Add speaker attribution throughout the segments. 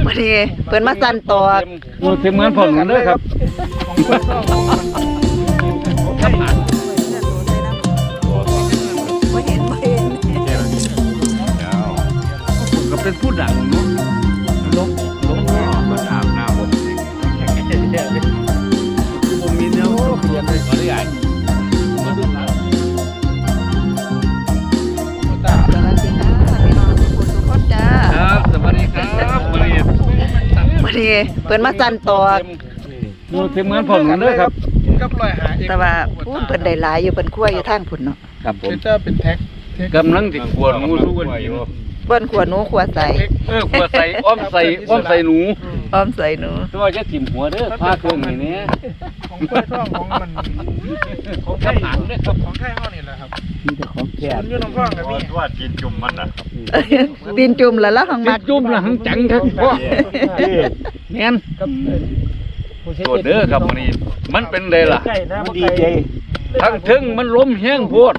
Speaker 1: วันนี้เพิ่นมาสั่นตอก
Speaker 2: เต็มเหมือนผมกันเลยครับก็เป็นผู้ดังเนาะลบมันอาบน้ำผมมีแนวเปลี่ยนเลยขออนุญาตครับสวัสดีครับ
Speaker 1: วันนี้เพิ่นมาสั่นตอก
Speaker 2: เต็มเหมือนผมกันเลยครับ
Speaker 1: แต่ว่าพูดเพิ่นได้หลายอยู่เพิ่นคั่วอยู่ทางพุ่นเนาะ
Speaker 2: ครับผม
Speaker 3: เป็นแท็ก
Speaker 2: กำลังติดขวดงูทุกวันอยู่
Speaker 1: เพิ่นคั่วหนูคั่วใส่
Speaker 2: ขวดใส่อ้อมใส่หนู
Speaker 1: อ้อมใส่หนู
Speaker 2: ตัวจะถิ่มหัวเด้อผ้าเครื่องนี่เนี่ย
Speaker 3: ของกล้วยทองของมัน
Speaker 2: ของทหารเด้อครับ
Speaker 3: ของไทยเฮานี่แหละครับ
Speaker 2: มีแต่ของแก่
Speaker 3: คุณอยู่น้ำพ่องกับพี่
Speaker 4: ว่าจีนจุ่มมันน่ะ
Speaker 1: ตีนจุ่มแล้วหัง
Speaker 2: มั
Speaker 1: มั
Speaker 2: ด
Speaker 1: ก
Speaker 2: จุ่มละหังจังครับพ่อแม่นตัวเด้อครับวันนี้มันเป็นไดล่ะ
Speaker 4: มันดีใจ
Speaker 2: ทั้งถึงมันล้มแห้งโพด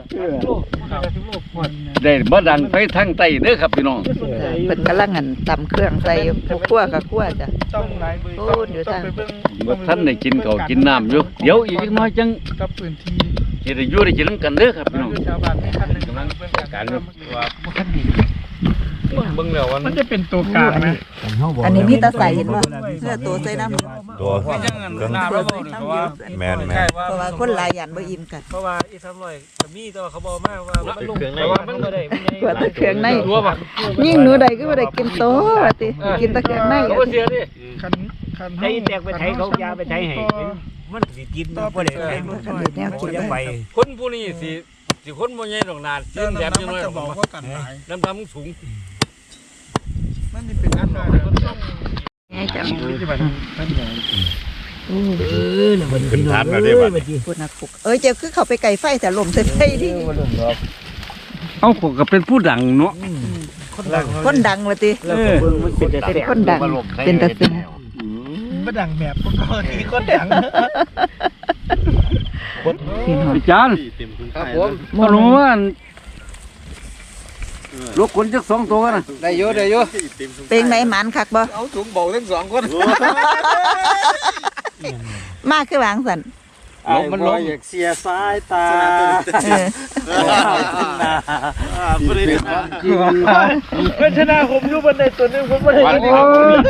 Speaker 2: ได้บ่ดังไปทางใต้เด้อครับพี่น้อง
Speaker 1: เพิ่นกำลังหั่นตำเครื่องใส่ผู้คั่วกับคั่วจ้ะ
Speaker 3: ต้องหลายมือ
Speaker 1: โอ้อยู่ทาง
Speaker 3: ไปเบิ่ง
Speaker 2: บ่ทันได้กินข้าวกินน้ำอยู่เดี๋ยวอีกน้อยจัง
Speaker 3: กับพื้นที่
Speaker 2: สิได้อยู่ได้กินนำกันเด้อครับพี่น้อง
Speaker 3: ชาวบ้านให้คันหนึงกำลังเบิ่งกันว่าเบิ่งแล้วมันจะเป็นตัวกลางนะ
Speaker 1: อันนี้มีตาใส่เห็นบ่เพื่อตัวใส่น้ำ
Speaker 4: ตัว
Speaker 2: ไม่จังนั้นน้ำแล้วบ่เพราะว่า
Speaker 4: แมน
Speaker 1: เพราะว่าคนหลายยันบ่อิ่มกัน
Speaker 5: เพราะว่าอีสามร้อยก็มีแต่ว่าเขาบอกมาว่ามันลง
Speaker 2: แต่ว่ามัน
Speaker 5: บ่ได้มัน
Speaker 1: กว่าแต่เครื่องใน
Speaker 2: รัวป่ะ
Speaker 1: ยิ่งหนูใดก็บ่ได้กินโตว่าติกินแต่เครื่องใน
Speaker 2: เขาบ่เสียดิ
Speaker 3: คันคัน
Speaker 5: ใช้แตกไปไทยเขายาไปไทยให้มันสิกินบ่ได้ไทย
Speaker 1: อันนี้แนวกิน
Speaker 5: ยัง
Speaker 1: ไป
Speaker 5: ไป
Speaker 2: คนผู้นี้สิคนบ่ใหญ่ดอกนาดยืนแบบจัง
Speaker 3: มัน
Speaker 2: เลย
Speaker 3: จะบอกว่ากันหลาย
Speaker 2: น้ำดำสูง
Speaker 3: มันนี่เป็นอันนั้นมันต้อง
Speaker 1: ไงจัง
Speaker 4: ขึ้นฐานมาได้บัด
Speaker 1: พูดนักปุกเจ้าคือเขาไปไก่ไฟแต่ลมใส่ไฟดิ
Speaker 2: เอ้าผมก็เป็นผู้ดังเนาะ
Speaker 1: คนดังว่าติ
Speaker 5: แล้วก็เบิ่งมันเป็นแต่
Speaker 1: เป็นคนดังเป็นตาซึ้ง
Speaker 3: บ่ดังแบบพวกเขาที่คนดัง
Speaker 1: พี่น้อง
Speaker 2: อาจารย์ครับผมบ่รู้ว่าลูกคนจัก2ตัวนะ
Speaker 3: ได้เยอะได้เยอะ
Speaker 1: เป็นไหนหมันคักบ่
Speaker 3: เอาถุงเบาทั้งสองคน
Speaker 1: มากคือวางสั่น
Speaker 5: มันลงอยากเสียสายตา
Speaker 4: ผู้ใด
Speaker 5: เพิ่นชนะผมอยู่บนในตัวนึงผมบ่ได้
Speaker 4: วันนี้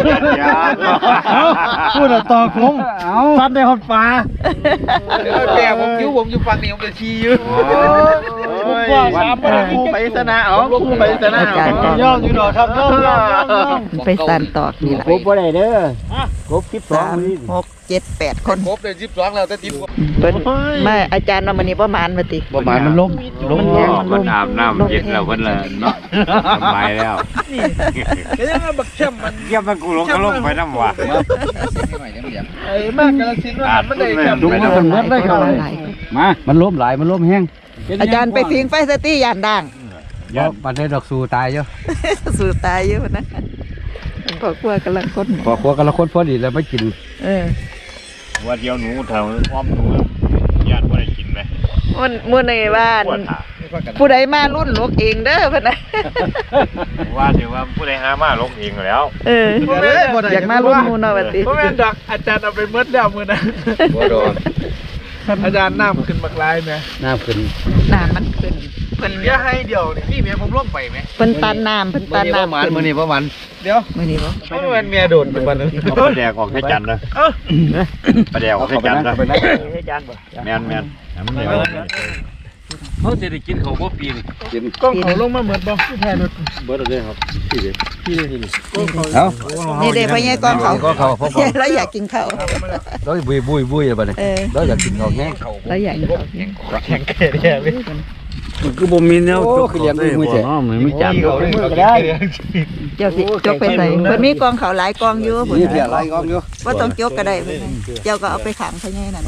Speaker 5: พูดต่อผมฟันได้ฮอดฟ้า
Speaker 3: แกผมอยู่ฝั่งนี้ผมจะชี้อยู่
Speaker 5: ว่าสามบ่ได้
Speaker 4: คู่ไปชนะเอาคู่ไปชนะ
Speaker 1: อาจารย์ตอก
Speaker 5: ย่อมอยู่ดอกครับย่อม
Speaker 1: ไปสั่นตอกนี่ล่ะ
Speaker 5: ครบบ่ได้เด้อครบ
Speaker 1: 3 6 7 8 คน
Speaker 3: ครบเลย12แล้วแต่ติด
Speaker 1: เพิ่นมาอาจารย์ว่ามื้อนี้บ่หมานว่าติ
Speaker 2: ประมาณมันล้ม
Speaker 1: มันแห้ง
Speaker 2: มันอาบน้ำเย็นแล้วเพิ่นละเนาะสบายแล้ว
Speaker 3: ก็ยังบักเข้มมัน
Speaker 4: เยี่ยมมันกูลงก็ลงไปน้ำว่ะ
Speaker 3: ไอ้มากกระสินว่ามันได้เข้ม
Speaker 2: ลุงมันเบิดเลยครับ
Speaker 1: หลาย
Speaker 2: มามันล้มหลายมันล้มแห้ง
Speaker 1: อาจารย์ไปพิงไฟสติย่านด่าง
Speaker 2: บ่ปันได้ดอกสูตายอยู่
Speaker 1: สู่ตายอยู่นะพอกลัวกำลังคน
Speaker 2: พอครัวกันละคนพอดีแล้วไม่กิน
Speaker 4: ว่าเดียวหนูเท่าอ้อมหนูญาติว่าได้กินไหม
Speaker 1: มื้อในบ้านผู้ใดมารุ่นลูกเองเด้อเพิ่นน่ะ
Speaker 4: ว่าถือว่าผู้ใดหามาลงเองแล้ว
Speaker 1: อยากมารุ่นหมู่เนาะว่าติ
Speaker 3: เพราะแม่นดอกอาจารย์เอาไปเมิดแล้วมื้อนั้น
Speaker 4: บ่โดน
Speaker 3: อาจารย์น้ำขึ้นบักลายแม่
Speaker 2: น้ำขึ้น
Speaker 1: น้ำมันขึ้นเพิ่น
Speaker 3: เดี๋ยวให้เดี๋ยวนี่พี่เมียผมลงไปไหม
Speaker 1: เพิ่นตันน้ำเพิ่นตันน้ำขึ้น
Speaker 2: มื้อนี้ประมาณ
Speaker 3: เดี๋ยว
Speaker 1: มื้อนี้บ่
Speaker 3: เพราะมันเมียโดนเป็นวันนึง
Speaker 4: เอาปลาแดกออกให้จันนะปลาแดกออกให้จันนะ
Speaker 5: ให้จานบ่
Speaker 4: แมนมันเดี๋ยว
Speaker 2: เขาจะได้กินเขาบ่ปีนกิน
Speaker 3: กล้องเขาลงมาเหมือนบ่ที่แทนรถ
Speaker 2: เบิดเลยครับพี่เด้
Speaker 1: เอานี่เด้พ่อใหญ่กองเขา
Speaker 2: ก็เขาพอ
Speaker 1: แล้วอยากกินข้าว
Speaker 2: แล้วบุยบัดนี้แล้วอยากกินข้าวแห้ง
Speaker 1: แล้วอยากกินข้าว
Speaker 3: แข็งแก่เนี่ยพี่
Speaker 2: คือบ่มีแนวจกคือเลี้ยงมือแท้ไม่จับ
Speaker 3: มือก็ได้
Speaker 1: เจ้าสิจกไปใส่เพิ่นมีกองเขาหลายกองอยู่พุ่น
Speaker 2: นี่เพียหลายกองอยู่
Speaker 1: บ่ต้องจกก็ได้เพิ่นเจ้าก็เอาไปขังพ่อใหญ่นั่น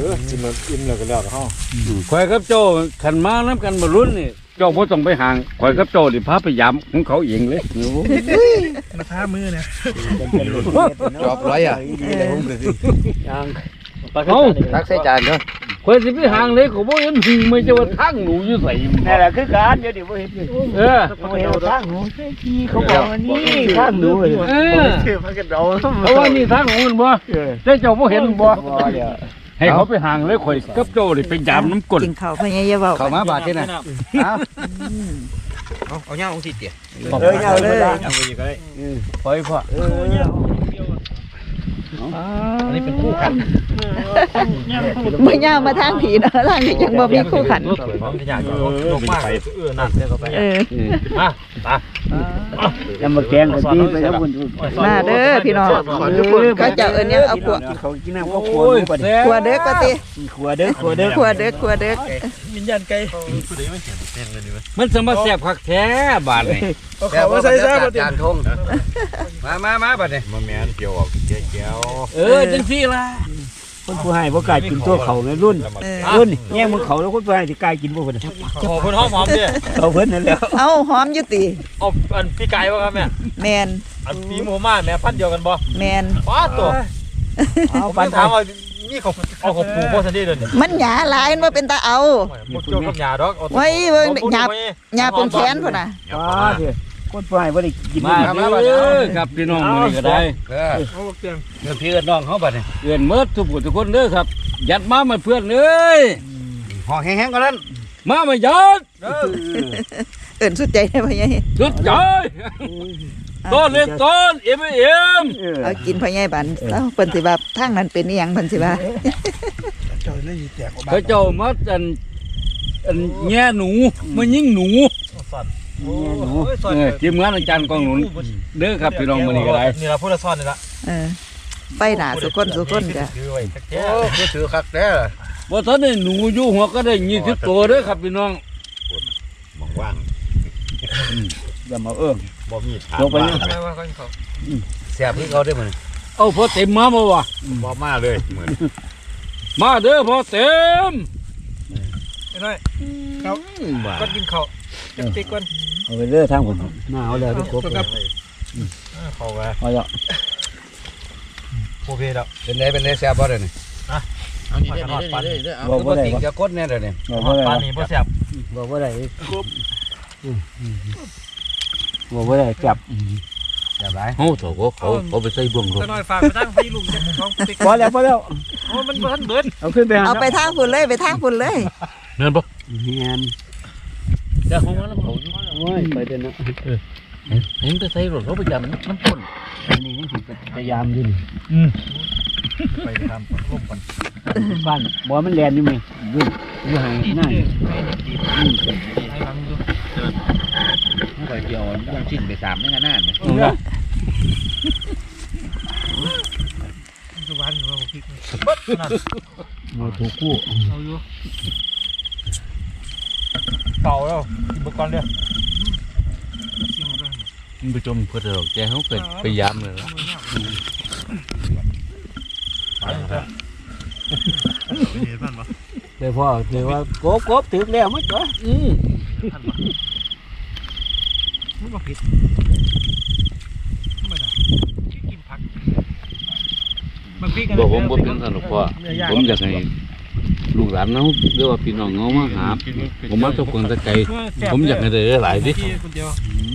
Speaker 2: ข่อยกับโจ้ขันมาน้ำกันบ่รุ่นนี่เจ้าบ่ต้องไปห่างข่อยกับโจ้นี่พาไปยามของเขาเองเลย
Speaker 3: มาท้ามือเนี่ย
Speaker 2: จอบร้อยอ่ะ
Speaker 5: ยัง
Speaker 2: เอ้าตักใส่จานเด้อข่อยสิไปหางเลยก็บ่เห็นหึงไม่ใช่ว่าทางหนูอยู่ไส
Speaker 5: นั่นแหละคือการเดี๋ยวนี้บ่เห็นเลย
Speaker 2: เออ
Speaker 5: เขาเห็นทางหนูที่เขาบอกว่านี่ทางหนู
Speaker 2: เออ
Speaker 5: ชื่อมันก็เดา
Speaker 2: เพราะว่านี่ทางของมันบ่ได้เจ้าบ่เห็นบ่
Speaker 5: เดี๋ยว
Speaker 2: ให้เขาไปหางเลยข่อยกับเจ้านี่ไปยามน้ำก้น
Speaker 1: กินข้าวพะยายาเว้า
Speaker 2: เข้ามาบาดนี่น่ะ
Speaker 3: เอาเงาของสิเตี๋ย
Speaker 5: เอาเลย
Speaker 3: เอาไปอีกก็ได้
Speaker 2: ปล่อยพ่อ
Speaker 3: อันนี้เป็นคู่กัน
Speaker 1: บ่ย่าวมาทางผีเนาะทางนี้ยังบ่มีคู่ขัน
Speaker 3: ของที่อยากจะลงมากนั่นเดี๋ยวก็ไป
Speaker 1: เออ
Speaker 3: มาตา
Speaker 5: จะมาแกงกันที่ไปแล้วคน
Speaker 1: มาเด้อพี่น้องเขาเจ้าเอิ้นยังเอาพวก
Speaker 5: เขากินน้ำเขาขวด
Speaker 1: ขัวเด็กว่าติ
Speaker 5: ขวดเด้อขวดเด้อ
Speaker 1: ขัวเด็กขัวเด็ก
Speaker 3: วิญญาณไก่
Speaker 2: มันสมาแซ่บคักแท้บาดนี่
Speaker 3: เขาว่าใส่ซะบ่ติ
Speaker 2: มาบัดนี่
Speaker 4: มาแม่นเกี่ยวออกเจียว
Speaker 2: จังซี่ล่ะ
Speaker 5: คนผู้ให้บ่กล้ากินตัวเขาไงรุ่นแย่งมือเขาแล้วคนผู้ให้ที่กล้ากินบ่เพิ่น
Speaker 3: ขอเพิ่นหอมๆเด้อ
Speaker 5: เขาเพิ่นนั่นแล้ว
Speaker 1: เอาหอมอยู่ติ
Speaker 3: เอาอันพี่ไก่บ่ครับแม่
Speaker 1: แมน
Speaker 3: อันปีหมูม่าแม่พันเดียวกันบ่
Speaker 1: แมน
Speaker 3: ป้าตัว
Speaker 5: เอา
Speaker 3: ปั
Speaker 5: ปั
Speaker 3: น
Speaker 5: น
Speaker 3: ถามว่านี่เขาเอาของปู่บ่ซันดี้เด้อนี่
Speaker 1: มันหยาหลายมันบ่เป็นตาเอา
Speaker 3: บ่เกี่ยวกับหญ้าดอก
Speaker 1: ไว้เบิ่งหยาหยาปนแขนพุ่นน่ะ
Speaker 5: ป้าเด้อคนผู้ให้บ่ได้กิน
Speaker 2: มาเด้อครับพี่น้องมื้อนี้ก็ได้
Speaker 3: เอาเตียง
Speaker 2: เดี๋ยวพี่เอิ้นน้องเฮาบัดนี่เอิ้นหมดทุกผู้ทุกคนเด้อครับ ยัดมามาเพื่อนเอ้ย
Speaker 4: ห่อแห้งๆก็นั้น
Speaker 2: มายัด
Speaker 1: เอิ้นสุดใจได้พะยาย
Speaker 2: สุดใจต้นเล็กต้นเอ็ม
Speaker 1: เอากินพะยายบันเอ้าเพิ่นสิว่าทางนั้นเป็นอีหยังเพิ่นสิว่า
Speaker 2: เขาเจ้ามาอันแง่หนูมายิงหนู
Speaker 3: สั่น
Speaker 2: ทีมงานอาจารย์กองหนุนเด้อครับพี่น้องมื้อนี้ก็ได้
Speaker 3: นี่ล่ะพูดละซ่อนนี่ล่ะ
Speaker 1: เออไปหน้าสุคนจ้ะ
Speaker 3: ถือไว้แท้
Speaker 4: โอ้คือถือคักแท้
Speaker 2: บ่ทันได้หนูอยู่หัวก็ได้20ตัวเด้อครับพี่น้อง
Speaker 4: มองว่าง
Speaker 2: อย่ามา
Speaker 4: บ่มีถาม
Speaker 2: ลงไปนี่
Speaker 3: ๆว่าเขา
Speaker 4: แซ่บคือเขาได้มื้อ
Speaker 2: เอาพอเต็มมาบ่วะ
Speaker 4: บ่มาเลยมื้อ
Speaker 2: มาเด้อพอเต็ม
Speaker 3: ไอ้น้อยเขาก็กินข้าวจักติก่อน
Speaker 5: เอาไปเด้อทางผมมาเอาแล้วทุกคน
Speaker 3: เข้าไป
Speaker 5: เอาแล้ว
Speaker 3: โอเคแล้ว
Speaker 4: เป็นไดแซ่บบ่เด้อนี่
Speaker 3: เอานี่ได้
Speaker 5: บอกว่าได้
Speaker 4: ติจะกดแน่เด้อนี่
Speaker 5: บอกว่า
Speaker 3: ปลา
Speaker 5: ได้
Speaker 3: นี่บ่แซ่บ
Speaker 5: บอกว่าได้บอกว่าได้จับ
Speaker 4: แซ่บหลาย
Speaker 2: เฮาเถาก็เขาไปใส่บ่วง
Speaker 3: น้อยฝากไปทางพี่ลุงจักของติ๊ก
Speaker 5: พอแล้วพอแล้ว
Speaker 3: โอ้มันบ่ทันเบิด
Speaker 5: เอาขึ้นไป
Speaker 1: เอาไปทางพุ่นเลยไปทางพุ่นเลย
Speaker 2: เนินบ่
Speaker 5: เฮียน
Speaker 2: เดี๋ยวของมันเขา
Speaker 5: โอ้ยไปเด้อนะ
Speaker 2: เห็นแต่ใส่รถเขาไปจับมันน้ำพ่น
Speaker 5: อันนี้ยังสิพยายามอยู่นี่
Speaker 3: ไปทำร่มกัน
Speaker 5: บ้านบ่มันแลนอยู่มั้ยอยู่ห่างหน้า
Speaker 3: ให้ลังดู
Speaker 4: ไปเกี่ยวยังชิ้นไป3ในขนาดนี่
Speaker 3: สุวรรณว่าบ่พริกเบิดนั่น
Speaker 5: โมถูกกู้
Speaker 3: เอาอยู่เก่าแล้วกินบ่ก่อนเด้อ
Speaker 2: มันไปจมเพื่อดอกแกเขาเกิดพยายามเลยล่ะ
Speaker 5: เดี๋ยวพ่อเดี๋ยวว่ากบถึงแล้วมั้งจ้ะ
Speaker 3: มันบ่ผิดไม่ได้กินผักมันพริก
Speaker 2: บอกผมบ่เป็นสนุกพ่อผมอยากให้ลูกหลานเนาเรียกว่าพี่น้องเงามาหาผมมาทุกคนตะไกผมอยากให้ได้หลายดิ
Speaker 3: คนเดียว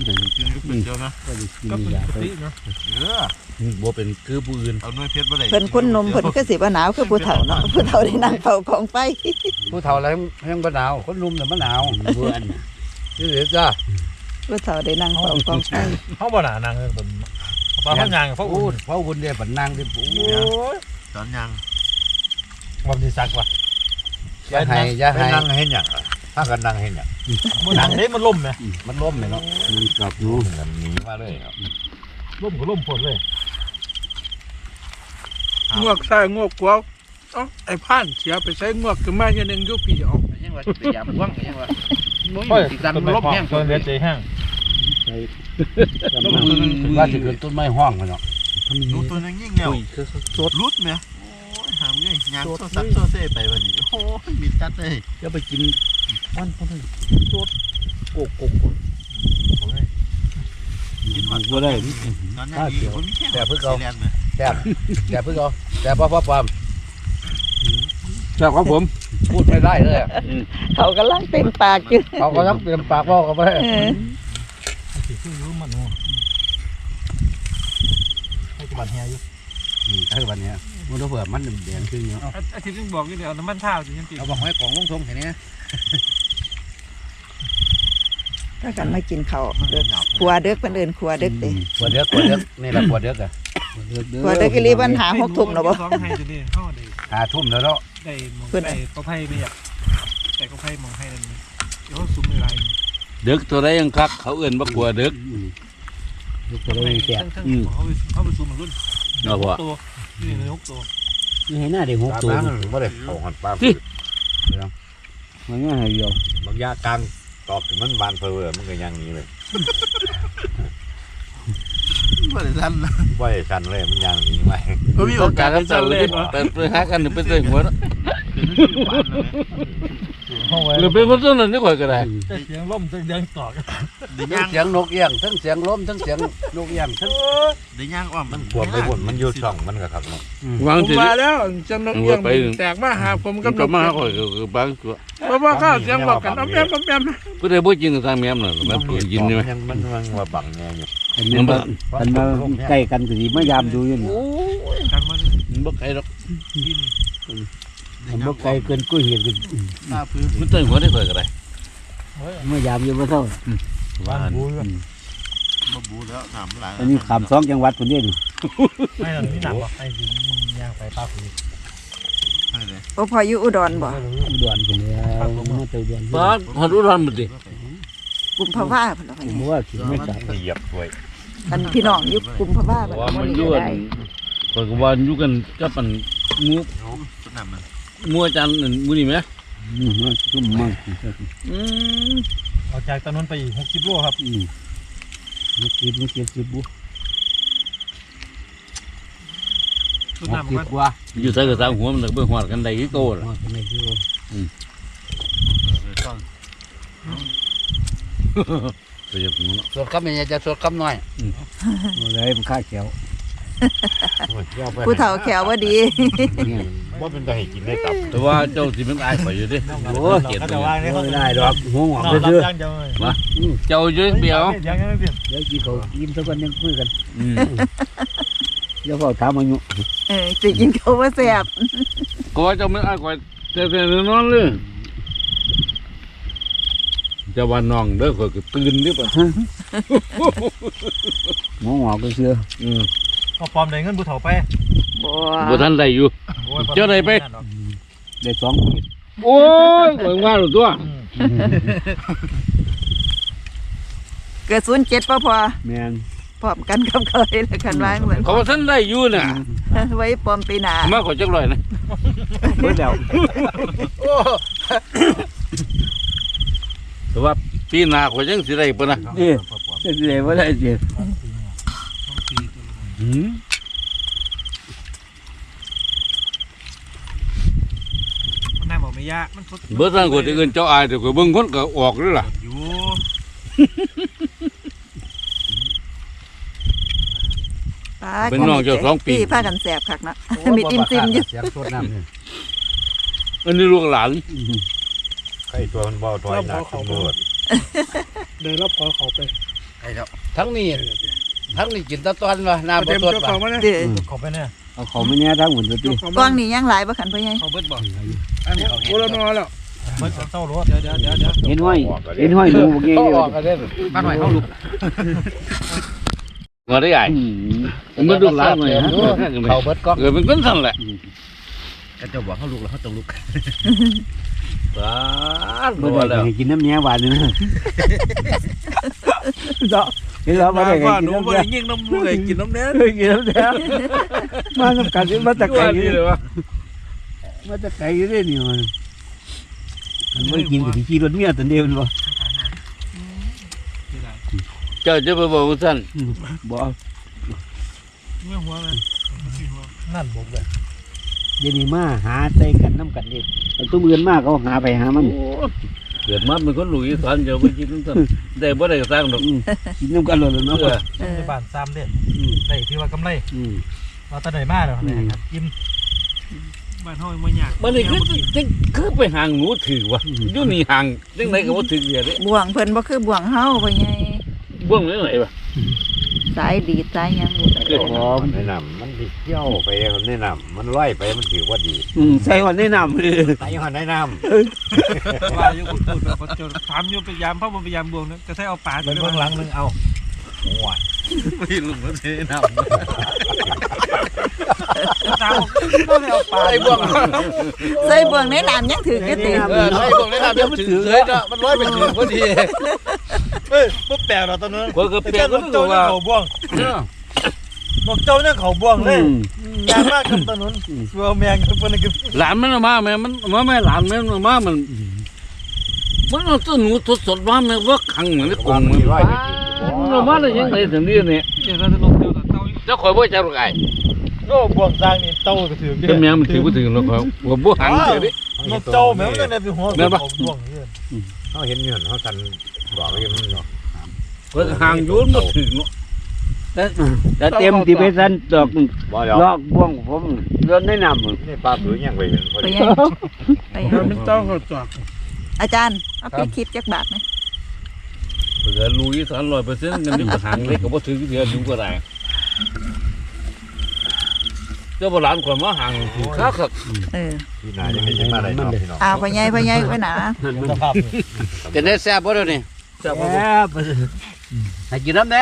Speaker 5: ก็มีอยากไป
Speaker 2: บ่เป็นคือผู้อื่น
Speaker 4: เอาหน่วยเพชรบ่ได้
Speaker 1: เพิ่นคนนมเพิ่นก็สิบ่หนาวคือผู้เฒ่าเนาะผู้เฒ่าได้นั่งเฝ้ากองไฟ
Speaker 4: ผู้เฒ่าแล้วยังบ่หนาวคนหนุ่มน่ะมันหนาว
Speaker 5: เบื่อ
Speaker 4: นี่เด้อจ้า
Speaker 1: ผู้เฒ่าได้นั่งเฝ้ากองไฟ
Speaker 3: เขาบ่หนานางเพิ่นปลาพันยางเขา
Speaker 4: พูดเพราะคุณเนี่ยบันนางที่ปู
Speaker 3: ตอนยางบ่มีซักว่ะ
Speaker 4: อย่าให้นั่งเห็นหยังถ้ากันนั่งเห็นหยัง
Speaker 3: มันหนังเด้มันล่มไหม
Speaker 4: มันล้มเลยเนาะ
Speaker 5: มันกลับอยู่
Speaker 4: มันหนีมาเลย
Speaker 3: ล่มก็ล่มฝนเลย
Speaker 6: งวกใส่งวกกวาวเอ้าไอ้ผ่านเสียไปใช้งวกขึ้นมาอย่างนึงยุปีเอา
Speaker 4: ยังว่าพยายามว่างยังว่า
Speaker 3: โอ้ยดันลบแห้งเดือดใจแห้ง
Speaker 4: ว่าจะเกิดต้นไม้ห้องเนาะ
Speaker 3: ดูตัวนึงยิ่งเงี้ยรุดไหมหามไงยางโซซับโซเซ่ไปวันนี้โอ้ยมีจัดเลย
Speaker 2: อย่าไปกินวันพอดี
Speaker 3: โกก
Speaker 5: บ่ได้
Speaker 3: ตอนนี้ผมมีแค่
Speaker 4: แต่เพื่อเขาแต่เพื่อเขาแต่พ่อความ
Speaker 2: ชอบของผมพูดไม่ได้เลย
Speaker 1: เขากำลังเต็มปากอยู่
Speaker 2: เขาก็ต้องเตรียมปากว่ากันไป
Speaker 1: เออ
Speaker 5: คือรู้มันให้บัตรเฮียอยู่
Speaker 2: ให้วันนี้มันต้องเผื่อมันแดงขึ้นเนาะ
Speaker 5: อาทิตย์นึงบอกอยู่เดี๋ยวน้ำมันเท้าสิยังติด
Speaker 2: เอาบอกให้ของลงทงแค่นี้
Speaker 1: ถ้ากันมากินข้าวเด้อครัวเด็กเพิ่นเอิ้นครัวเด็กเด้
Speaker 2: ปวดเดือกนี่แหละปวดเดือกอ่ะ
Speaker 1: ครัวเด็กอีหลีปัญหา6ทุ่มแล้วบ่
Speaker 5: สองให้ตัวนี้เฮาได้
Speaker 2: หาทุ่มแล้วเนาะ
Speaker 5: ได้มองได้ก็ไพ่ไม่อยากแต่ก็ไพ่มองให้นั่นเดี๋ยวเขาซุ้มในลาย
Speaker 2: เดือกตัวใดยังคักเขาเอื่นว่ากลัวเดือก
Speaker 5: ตัวนี้แก่เขาไปซุ้มมันรุ่น
Speaker 2: เนาะพ่อ
Speaker 5: ตัวนี่เลย6ตัว
Speaker 3: นี่ให้หน้าเด็กหกตัวไม่ได้เอาหันปลา
Speaker 5: มันง่ายเดียว
Speaker 3: บางยากลางตอบถึงมันบานเพอมันก็ยังนี้เลยไม่ได้สั้นเลยมันยังนี้ไหม
Speaker 6: ก็มีโอกาส
Speaker 2: กัน
Speaker 6: จะเล่นวะ
Speaker 2: ไปหากันหรือไปเตะหัวเนาะหรือเป็นคนต้นนั้นนี่ก่อนก็ได้
Speaker 5: แต่เสียงล่มเสียงตอก
Speaker 2: เสียงนกเอี้ยงทั้งเสียงลมทั้งเสียงนกเอี้ยงทั้ง
Speaker 3: ได้ย่างว่ามันขวบไปหมดมันอยู่ช่องมันก็ครับเนาะ
Speaker 2: วาง
Speaker 6: ผม
Speaker 2: สิ
Speaker 6: มาแล้วจังนกเอี้ยงแตกมาหาผมกับน
Speaker 2: ก็
Speaker 6: ก
Speaker 2: มาก่อนก็บางตัว
Speaker 6: เพราะว่าข้าวเสียงบอกกันอ้อมแอมอ้อมแอม
Speaker 2: ผู้ใดบ่กินก็ทางแม่มน่ะมันปืนกินใช่มั้ย
Speaker 3: มันว่าบังแง่อยู่
Speaker 5: มันมาใกล้กันก็สิมายามดูอยู่นี่
Speaker 6: ทางมัน
Speaker 2: มันบ่ไกลหรอก
Speaker 5: มันบ่ไกลเกินกุ้ยเห็นกัน
Speaker 3: หน้าพื้น
Speaker 2: มันเตะหัวได้ก่อนก็ได้
Speaker 5: มายามอยู่บ่เท่า
Speaker 3: บ้านมาบูแล้วถามหลาย
Speaker 5: อันนี้ขาม2จังหวัดพุ่นเด้นี่
Speaker 7: ไม่หรอกนี่หนักว่ะไอ้ยิงยางไปป้าคุย
Speaker 3: ให้เลย
Speaker 1: โอ้พออยู่อุดรบ่
Speaker 5: อุดรพุ่นแล้วมาเตยอุดร
Speaker 2: บ้านฮอดอุดรหมดดิ
Speaker 1: กุมภาวะพุ่นล่ะ
Speaker 5: ผมว่าคิดไม่จับ
Speaker 3: เหยียบถ้วย
Speaker 1: อันพี่น้องอยู่กุมภาวะบัด
Speaker 2: ว่ามัน
Speaker 1: นี้
Speaker 2: อยู่
Speaker 1: ก็
Speaker 2: กัน
Speaker 1: ได้
Speaker 2: ข้อยก็ว่าอยู่กันกับอันงู
Speaker 3: สุดน้ำมัน
Speaker 2: งูอาจารย์นั่นมื้อนี้แหม
Speaker 5: มันซุ่มมาก
Speaker 1: อืม
Speaker 7: ออกจากตอนนั้นไปอีก60 โลครับ
Speaker 5: มันคิดบุ
Speaker 7: สุดน้ำมัน
Speaker 5: กว่า
Speaker 2: อยู่ใส่กระสังหัวมันก็บ่ฮอดกันได้คือโตล่ะ
Speaker 5: มันไม่คือ
Speaker 2: ก็อย่าพูดเนาะ
Speaker 3: สดกับแม่จะสดกับน้อย
Speaker 5: อะไรมันค่าเขียว
Speaker 1: ผู้เฒ่าแขวบ่ดี
Speaker 3: ว่าเป็นตัวให้กินได้ตับ
Speaker 2: แต่ว่าเจ้าสิมันอายข่อยอยู่เด้
Speaker 5: โอ้
Speaker 2: เกลียด
Speaker 7: เขา
Speaker 2: ตั
Speaker 7: จะ
Speaker 2: ว
Speaker 7: วางเนี่ยเขา
Speaker 5: ไม่ได้ดอกหัวหงอก
Speaker 7: นอนรับ
Speaker 5: ซื่อ
Speaker 7: จ้างเดียวเลย
Speaker 2: เจ้าอยู่เดียว
Speaker 7: ยังไม่เปลี่ยน
Speaker 5: เดี๋ยวกินเขายิ้มสักวันยังคุยกัน
Speaker 2: อืม
Speaker 5: เดี๋ยวเขาถามอายุ
Speaker 1: สิกินข้าวบ่แซ่บ
Speaker 2: ก็ว่าเจ้ามันอายข่อยแต่นอนเลยจะว่าน้องเด้อข่อยก็ตื่นดิป่ะ
Speaker 5: หัวหงอกเสื้อ
Speaker 7: ก็ปลอมได้เงินผู้เฒ่าไป
Speaker 1: บ่
Speaker 2: บ่ทันได้อยู่ เจ้าใดไป
Speaker 5: ได้2ปี
Speaker 2: โอ้ยข่อยว่าหรือตัว
Speaker 1: เกิด07บ่พอ
Speaker 5: แม่น
Speaker 1: พร้อมกันกับเคยแล้วกันว่าเหมือน
Speaker 2: เขาว่าทันได้อยู่น่ะ
Speaker 1: ไว้ปลอมปีหน้า
Speaker 2: มาขอจักร้อยนะ
Speaker 5: เบิดแล้ว
Speaker 2: แต่ว่าปีหน้าข่อยยังสิได้ปะนะ
Speaker 5: นี่จะได้บ่ได้สิ
Speaker 7: มันน่าบอกไม่ยากมันทด
Speaker 2: เบิดทางข่อยที่อื่นเจ้าอายแต่ข่อยเบิ่งคนก็ออกเลยล่ะ
Speaker 7: อยู่
Speaker 2: เป็นน้องเจ้า2 ปี
Speaker 1: พากันแซ่บคักเนาะมีอิ่มซิมอยู่
Speaker 5: เสียงสดน้ำนี่
Speaker 2: อันนี้ลูกหลาน
Speaker 3: ไข่ตัวมันเบาถอยหนักตำรวจ
Speaker 6: เดินรอบขอเขาไป
Speaker 2: ทั้งนี้กินตะตอนวะน้ำ
Speaker 6: เต็
Speaker 2: บ่
Speaker 6: ม
Speaker 2: ตด
Speaker 6: เจ้า
Speaker 2: ว่ะ
Speaker 6: ของมาเนี่ย
Speaker 1: เด้อ
Speaker 7: ขอไปเนี่ย
Speaker 5: เอาเขาไม่แน่ทั้งหมดเลย
Speaker 6: เจ้าของ
Speaker 1: กล้
Speaker 6: มา
Speaker 1: องนี่ยังหลายบ่คันพ่อใหญ่
Speaker 2: เขาเบิดบ่
Speaker 6: โอ้ละนอแล้ว
Speaker 7: มันเศร้ารถเดี๋ยว
Speaker 5: เห็นห้อยดูเงี้ย
Speaker 2: เขาออกกันได้บ้านใหม่เขาลุกมาได้ใหญ่มันลูกหลานหน่อยฮะ
Speaker 3: เขาเบิดก๊อก
Speaker 2: เกิดเป็นคนสั่นแหละ
Speaker 3: ก็จะบอกเขาลุกแล้วเขาต้องลุก
Speaker 2: บ้าน
Speaker 5: บ่
Speaker 2: บ่
Speaker 5: ได้
Speaker 2: แล้ว
Speaker 5: กินน้ำแหนหวานนี่นะเนาะเห็นแล้วบ่ได้
Speaker 6: ว่า
Speaker 5: กิ
Speaker 6: ห
Speaker 5: น
Speaker 6: นู
Speaker 5: น้ำ
Speaker 6: บ่
Speaker 5: แหน
Speaker 6: ได้ยิงน้ำมูกเลยกินน้ำเนื้อ
Speaker 5: กินน้ำแหนมาทำกันมาตะไคร้
Speaker 2: นี่เลยวะ
Speaker 5: มาตะไคร้เด้นี่มันไม่กินกับที่ขี่รถเมียตันเดียวมันบ่
Speaker 2: เจ้าจะไปบอกว่าสั่น
Speaker 5: บ่
Speaker 6: เมื่อหัวเลย
Speaker 7: นั่นบอกเลย
Speaker 5: เดี๋ยวนี้มาหาใส่กันน้ำกันเองตุ้มเงินมากเขาหาไปหามัน
Speaker 2: เกิดมาเป็นคนหลุยสานเจ้าไปกินสั่นได้บ่ได้ก็สร้างดอก
Speaker 5: กินน้ำกันเลยเนาะ
Speaker 7: ในบ้านซ้ำเด็ดได้ที่ว่ากำไรมาตะไหนมาแล้วเนี่ยยิ้ม
Speaker 6: บ้านเฮาบ่ยาก
Speaker 2: มันนี่คือไปห่างหนูถือวะอยู่นี่ห่างจังไดก็บ่ถือเดียวเด้
Speaker 1: บ่วงเพิ่นบ่คือบ่วงเฮาพ่อใหญ่
Speaker 2: บ่วงไหนวะ
Speaker 1: สายดีดสายหยังบ่ได้
Speaker 2: คือหอม
Speaker 4: แนะนำมันดิเที่ยวไปมันแนะนำมันลอยไปมันถือว่าดี
Speaker 5: ใส่วันแนะนำเลย
Speaker 4: ไปหันแนะน
Speaker 6: ว่าอยู่พูดแบบคนจนถามอยู่พยายามพ่อบ่พยายามบวงนะจะใช้เอาปลา
Speaker 7: เป็นเบื้องหลังนึงเอาโอ้ย
Speaker 2: พี่ลุงก็แนะน
Speaker 6: ตามก็เลยเอาปลา
Speaker 2: ำไอ้บ่วง
Speaker 1: ใส่บ่วงในน้ำยังถืออยู่ติ
Speaker 2: ไอ้บ่วงแนะนำเดี๋ยวมันถือเลยเนาะมันลอยไปถือพอดี
Speaker 7: เฮ้ยพวกแปลกเราตอนนั้น
Speaker 2: คนก็เปลี่ยน
Speaker 7: นกเจ้าเนี่ยเขาบ่วงนกเจ้าเนี่ยเขาบ่วงเลยยากมากครับตอนนั้นตัวแมงกับคนนึง
Speaker 2: หลานมันมาแม่มันมาแม่หลานมันมามันเอาตัวหนูสดๆมาแม่ว่าขังเหมือนในกรงมันมันมาได้ยังไงถึงนี่เนี่ย
Speaker 6: เดี๋ยวเราจะลงเดียวกับเต้า
Speaker 2: เจ้าข่อยบ่จับหรอกไอ้
Speaker 7: โน่บ่วงสร้างนี่เต้าก็ถือ
Speaker 2: เป็นแมงมันถือบ่ถึงหรอกข่อยว่าบ่หังเสียดิ
Speaker 7: นกเจ้าแมวเนี่ยเป็นหัวเขาบ่วงเนี่ย
Speaker 4: ำเขาเห็นเงินเขากันบอกว่ามันเนาะ
Speaker 2: ข่อยห่างอยู่บ่ถึงเนาะ
Speaker 5: แต่เต็มที่ไปสั่นดอก
Speaker 4: บ่เดี๋ยว
Speaker 5: ลอกบ่วงผมเดินแนะนำ
Speaker 4: นี่ปลาผือยังไปเห็นพอ
Speaker 1: พ่อ
Speaker 4: ดี
Speaker 1: ใหญ่ไปหา
Speaker 6: มันต้องเขาจอด
Speaker 1: อาจารย์เอาไปคลิปจักบาทไหม
Speaker 2: เผื่อลุยสาร100%กันนี่ห่างเล็กก็บ่ถึงเดียวอยู่ก็ได้เจ้าบ่หลานข่อยมาห่างถือคัก
Speaker 1: เออ
Speaker 4: พี่นายยังไม่ได้มาได้เนาะพี่น้อง
Speaker 1: เอาพ่อใหญ่ไว้หนา
Speaker 7: สภาพ
Speaker 2: จะได้แซ่บบ่เดี๋ยวนี้
Speaker 5: แซ่บ
Speaker 2: ให้กินน้ำแน่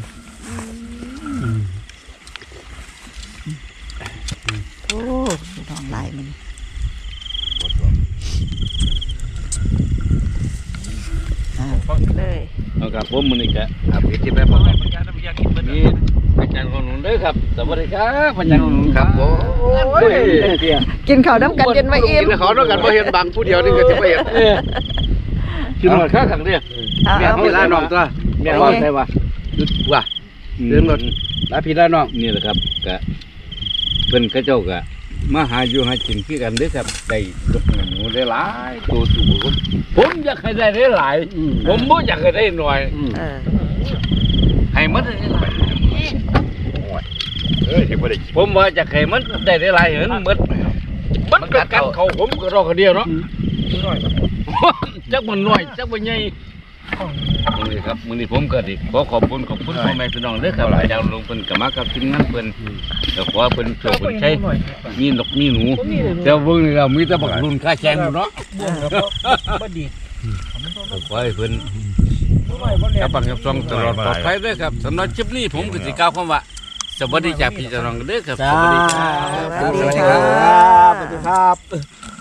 Speaker 1: โอ้ท้องลายมันเลย
Speaker 2: เอาครับผมมื้อนี้ก็อัปเดตที่แบบว่านี่อาจารย์ของหนูเด้อครับสวัสดีครับอาจารย์ของหนูครับผม
Speaker 1: กินข้าวน้ำกันจนว่าอิ่ม
Speaker 2: กินข้าวด้วยกันบ่เห็นบางผู้เดียวนี่ก็สิบ่เห็นกินหมดคักๆเด้อ
Speaker 1: เอา
Speaker 2: แม่
Speaker 1: เอา
Speaker 2: เฮาลาน้องตัวแม่ว่าใช่ว่าหยุดว่าเดินรถลาพี่ลาน้องนี่แหละครับก็เพิ่นเขาเจ้าก็มาหาอยู่หากินคือกันเด้อครับได้ลูกหนูได้หลายตัวสูงผมอยากให้ได้หลายผมบ่อยากให้ได้น้อย
Speaker 1: เออ
Speaker 2: ให้มันได้หลาย
Speaker 4: เอ้ยยังไม่ได้
Speaker 2: ผมว่าอยากให้มันได้หลายเห็นหมดมันก็กัดเขาผมก็รอคนเดียวเนาะจักมันน้อยจักมันใหญ่นี่ครับมื้อนี้ผมก็ดิขอขอบคุณพ่อแม่พี่น้องเด้อครับอาจารย์ลุงเพิ่นก็มากับทีมงานเพิ่นก็ขอเพิ่นช่วยเพิ่นใช้มีนกมีหนูแต่เบิ่งนี่เรามีแต่บักรุ่นค่าแชงอยู่เนาะ
Speaker 7: บ่วงกับบ่ดี
Speaker 2: ขอให้เพิ่นกับปังกับซองตลอดปลอดภัยเด้อครับสำหรับคลิปนี้ผมก็สิกล่าวคำว่าสวัสดีจากพี่น้องเด้อครับ
Speaker 5: จ้า
Speaker 2: สวัสดีครับ
Speaker 5: สวัสดีครับสวัสดีครับ